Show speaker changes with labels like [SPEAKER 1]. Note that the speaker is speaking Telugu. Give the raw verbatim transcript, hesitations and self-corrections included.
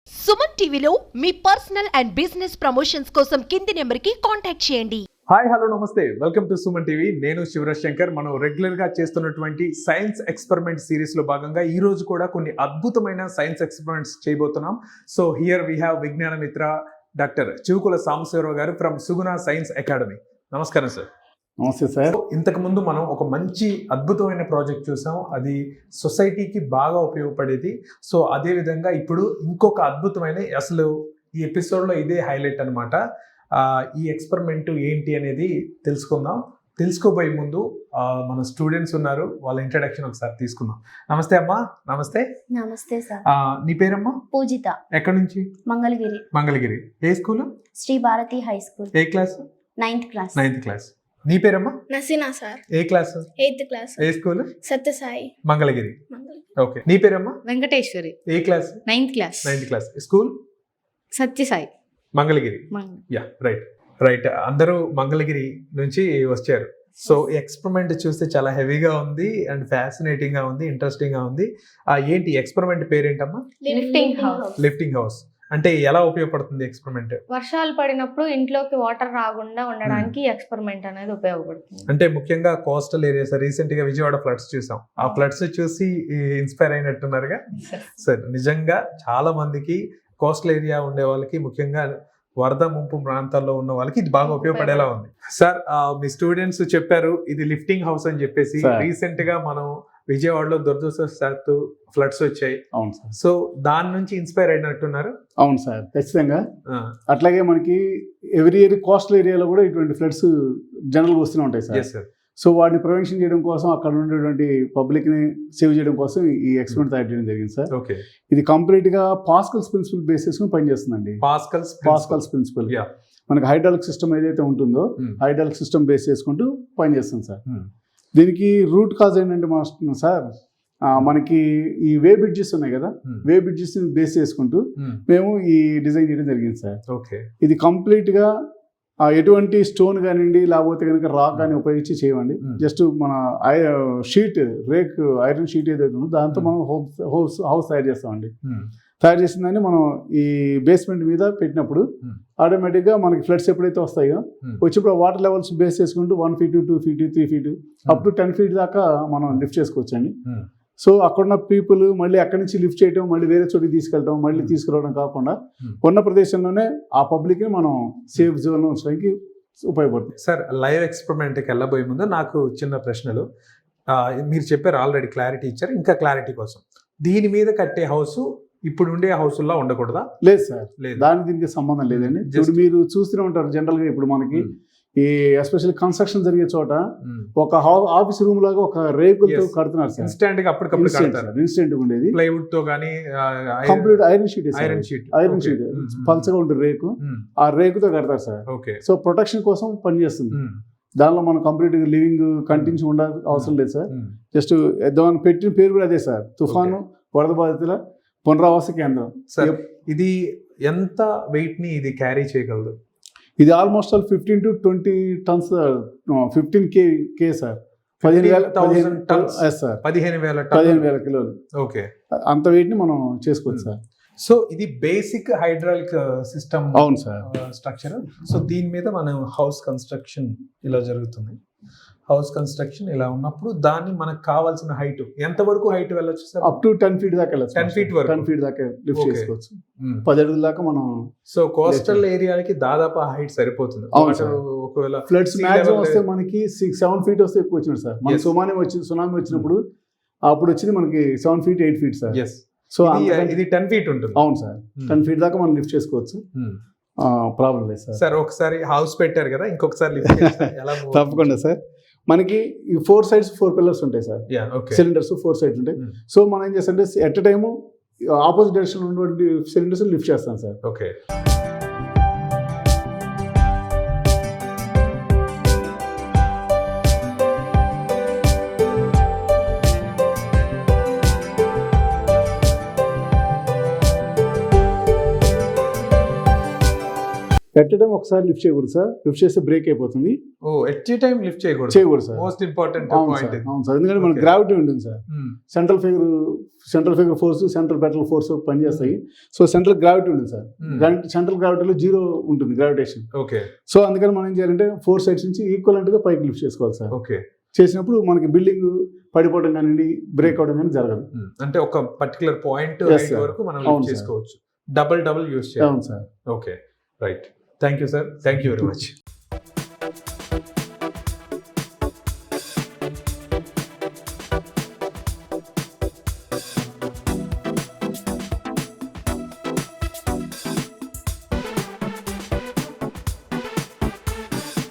[SPEAKER 1] సుమన్ టీవీలో మీ పర్సనల్ అండ్ బిజినెస్ ప్రమోషన్స్ కోసం కింది నెంబర్కి కాంటాక్ట్ చేయండి.
[SPEAKER 2] హాయ్ హలో నమస్తే, వెల్కమ్ టు సుమన్ టీవీ. నేను శివరాజ్ శంకర్. మనం రెగ్యులర్ గా చేస్తున్నటువంటి సైన్స్ ఎక్స్పెరిమెంట్ సిరీస్ లో భాగంగా ఈ రోజు కూడా కొన్ని అద్భుతమైన సైన్స్ ఎక్స్పెరిమెంట్స్ చేయబోతున్నాం. సో హియర్ వీ హ్యావ్ విజ్ఞాన మిత్ర డాక్టర్ చివుకుల సాంబశివరావు గారు ఫ్రమ్ సుగుణ సైన్స్ అకాడమీ. నమస్కారం సార్.
[SPEAKER 3] నమస్తే సార్.
[SPEAKER 2] ఇంతకు ముందు మనం ఒక మంచి అద్భుతమైన ప్రాజెక్ట్ చూసాం, అది సొసైటీకి బాగా ఉపయోగపడేది. సో అదే విధంగా ఇప్పుడు ఇంకొక అద్భుతమైన, అసలు ఈ ఎపిసోడ్లో ఇదే హైలైట్ అనమాట. ఈ ఎక్స్పెరిమెంట్ ఏంటి అనేది తెలుసుకుందాం. తెలుసుకోబోయే ముందు మన స్టూడెంట్స్ ఉన్నారు, వాళ్ళ ఇంట్రడక్షన్ ఒకసారి తీసుకుందాం. నమస్తే అమ్మా. నమస్తే.
[SPEAKER 4] నమస్తే సార్.
[SPEAKER 2] నీ పేరమ్మా?
[SPEAKER 4] పూజిత.
[SPEAKER 2] ఎక్కడి నుంచి?
[SPEAKER 4] మంగళగిరి.
[SPEAKER 2] మంగళగిరి. ఏ school?
[SPEAKER 4] Sri Bharathi high school.
[SPEAKER 2] ఏ class?
[SPEAKER 4] Ninth class.
[SPEAKER 2] Ninth class. నీ పేరమ్మా?
[SPEAKER 5] నసీనా సార్.
[SPEAKER 2] ఏ క్లాస్?
[SPEAKER 5] Eighth class.
[SPEAKER 2] ఏ స్కూల్?
[SPEAKER 5] సత్యసాయి.
[SPEAKER 2] మంగళగిరి.
[SPEAKER 5] మంగళగిరి.
[SPEAKER 2] ఓకే. నీ పేరమ్మా?
[SPEAKER 6] వెంకటేశ్వరి.
[SPEAKER 2] ఏ class?
[SPEAKER 6] Ninth class.
[SPEAKER 2] Ninth class. School?
[SPEAKER 6] Satyasai.
[SPEAKER 2] Mangalagiri. Yeah, right right. అందరూ మంగళగిరి నుంచి వచ్చారు. సో ఎక్స్పెరిమెంట్ చూస్తే చాలా హెవీగా ఉంది అండ్ ఫ్యాసినేటింగ్ గా ఉంది, ఇంట్రెస్టింగ్ గా ఉంది. ఆ ఏంటి ఎక్స్పెరిమెంట్ పేరేంటమ్మా?
[SPEAKER 6] Lifting house.
[SPEAKER 2] లిఫ్టింగ్ హౌస్ అంటే ఎలా ఉపయోగపడుతుంది ఎక్స్పెరిమెంట్?
[SPEAKER 6] వర్షాలు పడినప్పుడు ఇంట్లోకి వాటర్ రాకుండా ఉండడానికి ఎక్స్పెరిమెంట్ అనేది ఉపయోగపడుతుంది.
[SPEAKER 2] అంటే ముఖ్యంగా కోస్టల్ ఏరియాస్. రీసెంట్ గా విజయవాడ ఫ్లడ్స్ చూసాం. ఆ ఫ్లడ్స్ చూసి ఇన్స్పైర్ అయినట్టున్నారుగా. సరే, నిజంగా చాలా మందికి కోస్టల్ ఏరియా ఉండే వాళ్ళకి, ముఖ్యంగా వరద ముంపు ప్రాంతాల్లో ఉన్న వాళ్ళకి ఇది బాగా ఉపయోగపడేలా ఉంది. సార్, మీ స్టూడెంట్స్ చెప్పారు ఇది లిఫ్టింగ్ హౌస్ అని చెప్పేసి. రీసెంట్ గా మనం విజయవాడలో దురదృష్టవశాత్తు ఫ్లడ్స్ వచ్చాయి.
[SPEAKER 3] అవును సార్.
[SPEAKER 2] సో దాని నుంచి ఇన్స్పైర్ అయినట్టున్నారు.
[SPEAKER 3] అవును సార్, ఖచ్చితంగా. అట్లాగే మనకి ఎవ్రీ ఇయర్ కోస్టల్ ఏరియాలో కూడా ఇటువంటి ఫ్లడ్స్ జనరల్ గా వస్తూనే ఉంటాయి సార్. సో వాటిని ప్రివెన్షన్ చేయడం కోసం, అక్కడ ఉండేటువంటి పబ్లిక్ ని సేవ్ చేయడం కోసం ఈ ఎక్స్పెరిమెంట్ తయారు చేయడం జరిగింది సార్.
[SPEAKER 2] ఓకే. ఇది
[SPEAKER 3] కంప్లీట్ గా పాస్కల్స్ ప్రిన్సిపల్ బేస్ చేసుకుని పనిచేస్తుందండి.
[SPEAKER 2] Pascal's
[SPEAKER 3] Pascal's principle. మనకి హైడ్రాలిక్ సిస్టమ్ ఏదైతే ఉంటుందో హైడ్రాలిక్ సిస్టమ్ బేస్ చేసుకుంటూ పనిచేస్తుంది సార్. దీనికి రూట్ కాజ్ ఏంటంటే మాస్టర్ సార్, మనకి ఈ వే బ్రిడ్జెస్ ఉన్నాయి కదా, వే బ్రిడ్జెస్ బేస్ చేసుకుంటూ మేము ఈ డిజైన్ చేయడం జరిగింది సార్.
[SPEAKER 2] ఓకే. ఇది
[SPEAKER 3] కంప్లీట్ గా ఎటువంటి స్టోన్ కానివ్వండి, లేకపోతే కనుక రాక్ కానీ ఉపయోగించి చేయండి. జస్ట్ మన షీట్, రేక్ ఐరన్ షీట్ ఏదైతే ఉందో దాంతో మనం హౌస్ హౌస్ తయారు చేస్తామండి. తయారు చేసిన దాన్ని మనం ఈ బేస్మెంట్ మీద పెట్టినప్పుడు ఆటోమేటిక్గా మనకి ఫ్లడ్స్ ఎప్పుడైతే వస్తాయో వచ్చినప్పుడు వాటర్ లెవెల్స్ బేస్ చేసుకుంటూ one feet two feet three feet up to ten feet దాకా మనం లిఫ్ట్ చేసుకోవచ్చు అండి. సో అక్కడున్న పీపుల్ మళ్ళీ అక్కడి నుంచి లిఫ్ట్ చేయడం, మళ్ళీ వేరే చోటికి తీసుకెళ్ళడం, మళ్ళీ తీసుకురావడం కాకుండా ఉన్న ప్రదేశంలోనే ఆ పబ్లిక్ని మనం సేఫ్ జోన్లో ఉంచడానికి ఉపయోగపడుతుంది.
[SPEAKER 2] సార్, లైవ్ ఎక్స్పెరిమెంట్కి వెళ్ళబోయే ముందు నాకు చిన్న ప్రశ్నలు. మీరు చెప్పారు ఆల్రెడీ, క్లారిటీ ఇచ్చారు. ఇంకా క్లారిటీ కోసం, దీని మీద కట్టే హౌస్ ఇప్పుడు ఉండే హౌస్లో ఉండకూడదా?
[SPEAKER 3] లేదు సార్, దానికి దీనికి సంబంధం లేదండి. ఇప్పుడు మీరు చూస్తూనే ఉంటారు జనరల్గా, ఇప్పుడు మనకి ఈ ఎస్పెషల్లీ కన్స్ట్రక్షన్ జరిగే చోట ఒక ఆఫీస్ రూమ్ లాగా ఒక రేకులతో కడుతున్నారు సార్.
[SPEAKER 2] ఇన్స్టెంట్ గా అప్పటికప్పుడు
[SPEAKER 3] ఇన్స్టెంట్ ఉండేది
[SPEAKER 2] ప్లైవుడ్ తో గానీ,
[SPEAKER 3] complete iron sheet
[SPEAKER 2] iron sheet
[SPEAKER 3] iron sheet పల్చగా ఉంటుంది రేకు, ఆ రేకుతో కడతారు సార్.
[SPEAKER 2] ఓకే.
[SPEAKER 3] సో ప్రొటెక్షన్ కోసం పనిచేస్తుంది. దానిలో మనం కంప్లీట్ లివింగ్ కంటిన్యూ ఉండాలి అవసరం లేదు సార్. జస్ట్ దాని పెట్టిన పేరు కూడా అదే సార్, తుఫాను వరద బాధితుల పునరావాస కేంద్రం.
[SPEAKER 2] ఇది ఎంత వెయిట్ ని ఇది క్యారీ చేయగలదు?
[SPEAKER 3] ఇది almost all fifteen to twenty tons, fifteen K K sir. పదిహేను వేల సార్,
[SPEAKER 2] పదిహేను వేల
[SPEAKER 3] పదిహేను వేల కిలోలు.
[SPEAKER 2] ఓకే.
[SPEAKER 3] అంత వెయిట్ ని మనం చేసుకోవచ్చు సార్.
[SPEAKER 2] సో ఇది బేసిక్ హైడ్రాలిక్ సిస్టమ్.
[SPEAKER 3] అవును సార్.
[SPEAKER 2] స్ట్రక్చర్. సో దీని మీద మనం హౌస్ కన్స్ట్రక్షన్ ఇలా జరుగుతుంది. హౌస్ కన్స్ట్రక్షన్ ఇలా ఉన్నప్పుడు దాన్ని మనకు కావాల్సిన హైట్ ఎంత వరకు హైట్ వెళ్ళొచ్చు sir?
[SPEAKER 3] Up to ten feet దాకా వెళ్ళచ్చు.
[SPEAKER 2] టెన్ ఫీట్ వరకు
[SPEAKER 3] టెన్ ఫీట్ దాకా లిఫ్ట్ చేసుకోవచ్చు. పది అడుగుల దాకా మనం.
[SPEAKER 2] సో కోస్టల్ ఏరియాలకి దాదాపు హైట్ సరిపోతుంది. ఒకవేళ
[SPEAKER 3] ఫ్లడ్స్ మ్యాక్సిమం వస్తే మనకి సిక్స్ సెవెన్ ఫీట్ వస్తే ఎక్కువ వచ్చింది సార్. మన సునామీ వచ్చింది సునామీ వచ్చినప్పుడు అప్పుడు వచ్చింది మనకి seven feet eight feet sir.
[SPEAKER 2] So ఇది టెన్ ఫీట్ ఉంటుంది.
[SPEAKER 3] అవును సార్, టెన్ ఫీట్ దాకా మనం లిఫ్ట్ చేసుకోవచ్చు. ప్రాబ్లం లేదు సార్.
[SPEAKER 2] సార్ ఒకసారి హౌస్ పెట్టారు కదా, ఇంకొకసారి లిఫ్ట్
[SPEAKER 3] తప్పకుండా సార్. మనకి ఈ ఫోర్ సైడ్స్ ఫోర్ పిల్లర్స్ ఉంటాయి సార్, సిలిండర్స్ ఫోర్ సైడ్స్ ఉంటాయి. సో మనం ఏం చేస్తాం అంటే at a time opposite direction ఉన్నటువంటి సిలిండర్స్ లిఫ్ట్ చేస్తాం సార్.
[SPEAKER 2] ఓకే.
[SPEAKER 3] పెట్టడం ఒకసారి లిఫ్ట్ చేయకూడదు సార్, లిఫ్ట్ చేస్తే బ్రేక్ అయిపోతుంది.
[SPEAKER 2] ఓ ఎట్ టైం లిఫ్ట్ చేయకూడదు
[SPEAKER 3] చేయకూడదు సార్.
[SPEAKER 2] మోస్ట్ ఇంపార్టెంట్
[SPEAKER 3] అవును
[SPEAKER 2] పాయింట్
[SPEAKER 3] సార్, అవును సార్, ఎందుకంటే మన
[SPEAKER 2] Okay.
[SPEAKER 3] గ్రావిటీ ఉంటుంది sir. Central figure central figure force, central పెట్రల్ ఫోర్స్ పనిచేస్తాయి. సో సెంట్రల్ గ్రావిటీ ఉంటుంది సార్. సెంట్రల్ గ్రావిటీలో జీరో ఉంటుంది గ్రావిటేషన్.
[SPEAKER 2] ఓకే
[SPEAKER 3] సో అందుకని మనం ఏం చేయాలంటే ఫోర్ సైడ్స్ నుంచి ఈక్వల్ గా పైకి లిఫ్ట్ చేసుకోవాలి సార్.
[SPEAKER 2] ఓకే
[SPEAKER 3] చేసినప్పుడు మనకి బిల్డింగ్ పడిపోవడం కానీ బ్రేక్ అవడం కానీ జరగదు.
[SPEAKER 2] అంటే ఒక పర్టికులర్ పాయింట్
[SPEAKER 3] Yes, sir.
[SPEAKER 2] వరకు మనం
[SPEAKER 3] అవును,
[SPEAKER 2] లిఫ్ట్
[SPEAKER 3] sir.
[SPEAKER 2] చేసుకోవచ్చు. డబుల్ డబుల్ యూస్ చేయాలి.
[SPEAKER 3] అవును sir.
[SPEAKER 2] Okay right. Thank you sir, thank you very much.